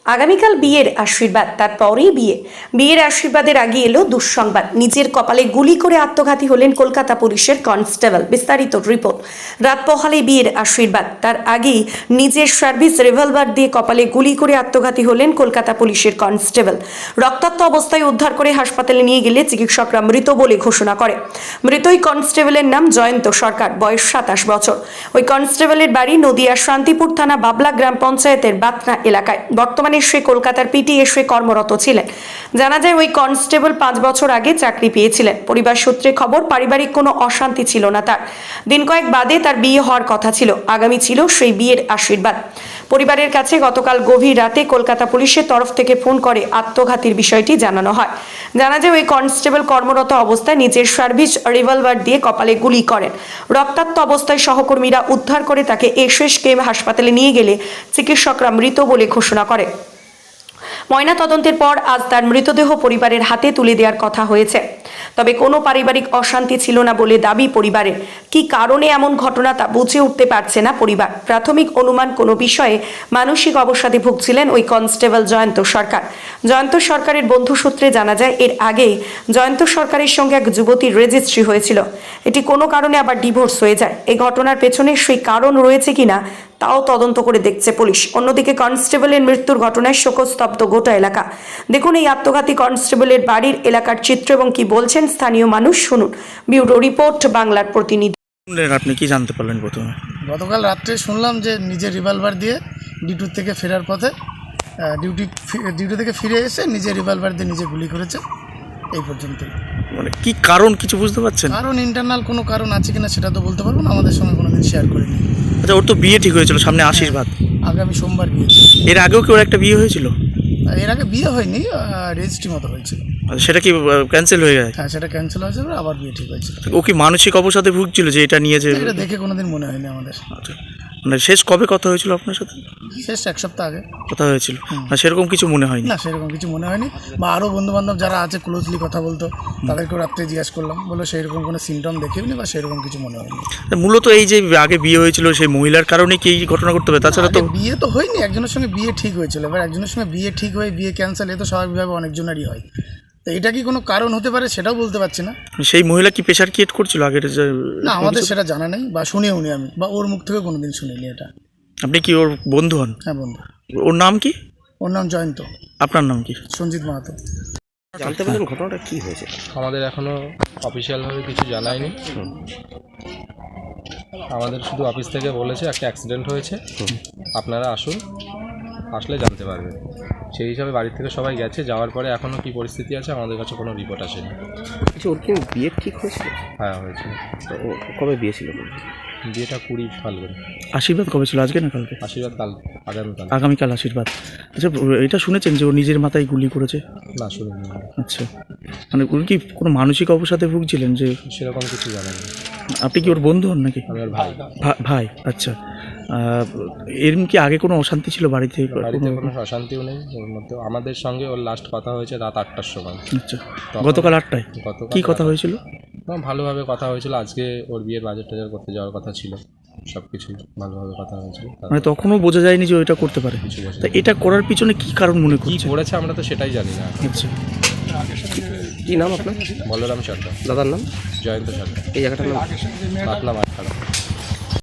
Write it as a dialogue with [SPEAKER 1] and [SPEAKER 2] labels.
[SPEAKER 1] আগামীকাল বিয়ের আশীর্বাদ, তারপরেই বিয়ের আশীর্বাদের আগে এলো দুঃসংবাদ। নিজের কপালে গুলি করে আত্মঘাতী হলেন কলকাতা পুলিশের কনস্টেবল। বিস্তারিত রিপোর্ট। রাত পোহালে বিয়ের আশীর্বাদ, তার আগেই নিজের সার্ভিস রিভলভার দিয়ে কপালে গুলি করে আত্মঘাতী হলেন কলকাতা পুলিশের কনস্টেবল। রক্তাক্ত অবস্থায় উদ্ধার করে হাসপাতালে নিয়ে গেলে চিকিৎসকরা মৃত বলে ঘোষণা করে। মৃত ওই কনস্টেবলের নাম জয়ন্ত সরকার, বয়স 27 বছর। ওই কনস্টেবলের বাড়ি নদিয়া শান্তিপুর থানা বাবলা গ্রাম পঞ্চায়েতের বাতনা এলাকায়। বর্তমানে সে কলকাতার পিটিএসে কর্মরত ছিলেন। জানা যায় ওই কনস্টেবল 5 বছর আগে চাকরি পেয়েছিলেন। পরিবার সূত্রে খবর, পারিবারিক কোনো অশান্তি ছিল না তার। দিন কয়েক বাদে তার বিয়ে হওয়ার কথা ছিল। আগামী ছিল সেই বিয়ের আশীর্বাদ। পরিবারের কাছে গতকাল গভীর রাতে কলকাতা পুলিশের তরফ থেকে ফোন করে আত্মঘাতীর বিষয়টি জানানো হয়। জানা যায় ওই কনস্টেবল কর্মরত অবস্থায় নিজের সার্ভিস রিভলভার দিয়ে কপালে গুলি করেন। রক্তাক্ত অবস্থায় সহকর্মীরা উদ্ধার করে তাকে এসএসকেএম হাসপাতালে নিয়ে গেলে চিকিৎসকরা মৃত বলে ঘোষণা করে। ময়নাতদন্তের পর আজ তার মৃতদেহ পরিবারের হাতে তুলে দেওয়ার কথা হয়েছে। তবে কোনো পারিবারিক অশান্তি ছিল না বলে দাবি পরিবারের। কি কারণে এমন ঘটনা তা বুঝে উঠতে পারছে না পরিবার। প্রাথমিক অনুমান, কোনো বিষয়ে মানসিক অবসাদে ভুগছিলেন ওই কনস্টেবল জয়ন্ত সরকার। জয়ন্ত সরকারের বন্ধু সূত্রে জানা যায়, এর আগে জয়ন্ত সরকারের সঙ্গে এক যুবতীর রেজিস্ট্রি হয়েছিল। এটি কোনো কারণে আবার ডিভোর্স হয়ে যায়। এই ঘটনার পেছনে সেই কারণ রয়েছে কিনা তাও তদন্ত করে দেখছে পুলিশ। অন্যদিকে কনস্টেবলের মৃত্যুর ঘটনায় শোকস্তব্ধ গোটা এলাকা। দেখুন এই আত্মঘাতী কনস্টেবলের বাড়ির এলাকার চিত্র এবং কি বলছেন স্থানীয় মানুষ, শুনুন। ব্যুরো রিপোর্ট, বাংলার প্রতিনিধি।
[SPEAKER 2] আপনি কি জানতে পারলেন প্রথমে?
[SPEAKER 3] গতকাল রাত্রে শুনলাম যে নিজের রিভলভার দিয়ে ডিউটি থেকে ফেরার পথে ডিউটি থেকে ফিরে এসে নিজের রিভলভার দিয়ে নিজে গুলি করেছে। এই পর্যন্ত।
[SPEAKER 2] মানে কি কারণ কিছু বুঝতে পারছেন?
[SPEAKER 3] কারণ ইন্টারনাল কোনো কারণ আছে কিনা সেটা তো বলতে পারবো না, আমাদের সঙ্গে কোনোদিন শেয়ার করিনি।
[SPEAKER 2] আচ্ছা, ওর তো বিয়ে ঠিক হয়েছিল, সামনে আশীর্বাদ।
[SPEAKER 3] আগামী সোমবার বিয়ে।
[SPEAKER 2] এর আগেও কি ওর একটা বিয়ে হয়েছিল?
[SPEAKER 3] এর আগে বিয়ে হয়নি, রেজিস্ট্রি মতো হয়েছিল।
[SPEAKER 2] আচ্ছা, সেটা কি ক্যান্সেল হয়ে গেছে?
[SPEAKER 3] হ্যাঁ, সেটা ক্যান্সেল হয়েছে, আবার বিয়ে ঠিক হয়েছিল।
[SPEAKER 2] ও কি মানসিক অবসাদে ভুগছিল যে এটা নিয়ে যে?
[SPEAKER 3] এটা দেখে কোনোদিন মনে হয়নি আমাদের।
[SPEAKER 2] আচ্ছা, মানে শেষ কবে কথা হয়েছিল আপনার সাথে?
[SPEAKER 3] শেষ 1 সপ্তাহ আগে
[SPEAKER 2] কথা হয়েছিল। না, সেরকম কিছু মনে হয়নি?
[SPEAKER 3] না, সেরকম কিছু মনে হয়নি। বা আরও বন্ধুবান্ধব যারা আছে ক্লোজলি কথা বলতো, তাদেরকেও রাত্রে জিজ্ঞাসা করলাম, বললো সেরকম কোনো সিমটম দেখেওনি বা সেরকম কিছু মনে হয়নি।
[SPEAKER 2] মূলত এই যে আগে বিয়ে হয়েছিল সেই মহিলার কারণে কি এই ঘটনা করতে হবে? তাছাড়া তো
[SPEAKER 3] বিয়ে তো হয়নি, একজনের সঙ্গে বিয়ে ঠিক হয়েছিল। এবার একজনের সঙ্গে বিয়ে ঠিক হয়ে বিয়ে ক্যান্সেল, এ তো স্বাভাবিকভাবে অনেকজনেরই হয়। তো এটা কি কোনো কারণ হতে পারে সেটাও বলতে পারছি না।
[SPEAKER 2] সেই মহিলা কি প্রেশার ক্রিয়েট করছিল আগের?
[SPEAKER 3] না, আমাদের সেটা জানা নেই বা শুনেও নি আমি, বা ওর মুখ থেকে কোনোদিন শুনিনি এটা।
[SPEAKER 2] আপনি কি ওর বন্ধু হন?
[SPEAKER 3] হ্যাঁ, বন্ধু।
[SPEAKER 2] ওর নাম কি?
[SPEAKER 3] ওর নাম জয়ন্ত।
[SPEAKER 2] আপনার নাম কি?
[SPEAKER 3] সঞ্জিত মাহাতো।
[SPEAKER 2] জানতে পারলেন ঘটনাটা কি হয়েছে?
[SPEAKER 4] আমাদের এখনও অফিসিয়ালভাবে কিছু জানায়নি। আমাদের শুধু অফিস থেকে বলেছে একটা অ্যাক্সিডেন্ট হয়েছে, আপনারা আসুন, আসলে জানতে পারবেন। সেই হিসাবে বাড়ির থেকে সবাই গেছে। যাওয়ার পরে এখনও কী পরিস্থিতি আছে আমাদের কাছে কোনো রিপোর্ট আসেনি।
[SPEAKER 5] আচ্ছা, ওর কি বিয়ে ঠিক হয়েছিল?
[SPEAKER 4] হ্যাঁ, হয়েছিল।
[SPEAKER 5] তো ও কবে বিয়ে ছিল?
[SPEAKER 4] বিয়েটা 20 ফাল্গুন।
[SPEAKER 2] আশীর্বাদ কবে ছিল? আজকে না কালকে?
[SPEAKER 4] আশীর্বাদ কাল, আগামীকাল।
[SPEAKER 2] আগামীকাল আশীর্বাদ। আচ্ছা, এটা শুনেছেন যে ও নিজের মাথায় গুলি করেছে?
[SPEAKER 4] না, শুনিনি।
[SPEAKER 2] আচ্ছা, মানে উনি কি কোনো মানসিক অবসাদে ভুগছিলেন যে?
[SPEAKER 4] সেরকম কিছু জানেন।
[SPEAKER 2] আপনি কি ওর বন্ধু হন নাকি?
[SPEAKER 4] আমি ওর ভাই।
[SPEAKER 2] ভাই, আচ্ছা। এরকম কি আগে কোনো অশান্তি ছিল বাড়িতে?
[SPEAKER 4] বাড়িতে কোনো অশান্তিও নেই ওর মধ্যে। আমাদের সঙ্গে ওর লাস্ট কথা হয়েছে রাত 8টার সময়।
[SPEAKER 2] আচ্ছা, গতকাল 8টায়? কি কথা হয়েছিল?
[SPEAKER 4] ভালোভাবে কথা হয়েছিল। আজকে ওর বিয়ের বাজার টাজার করতে যাওয়ার কথা ছিল। সব কিছুই ভালোভাবে কথা হয়েছিল।
[SPEAKER 2] মানে তখনও বোঝা যায়নি যে ওইটা করতে পারে?
[SPEAKER 4] কিছু বোঝা
[SPEAKER 2] তা এটা করার পিছনে কি কারণ মনে করছে?
[SPEAKER 4] কি করেছে আমরা তো সেটাই জানি না।
[SPEAKER 2] আচ্ছা,
[SPEAKER 5] কি নাম আপনার?
[SPEAKER 4] বলরাম সরকার।
[SPEAKER 5] দাদার নাম?
[SPEAKER 4] জয়ন্ত সরকার।
[SPEAKER 5] এই জায়গাটার নাম?
[SPEAKER 4] পাতলা মাঠখানা।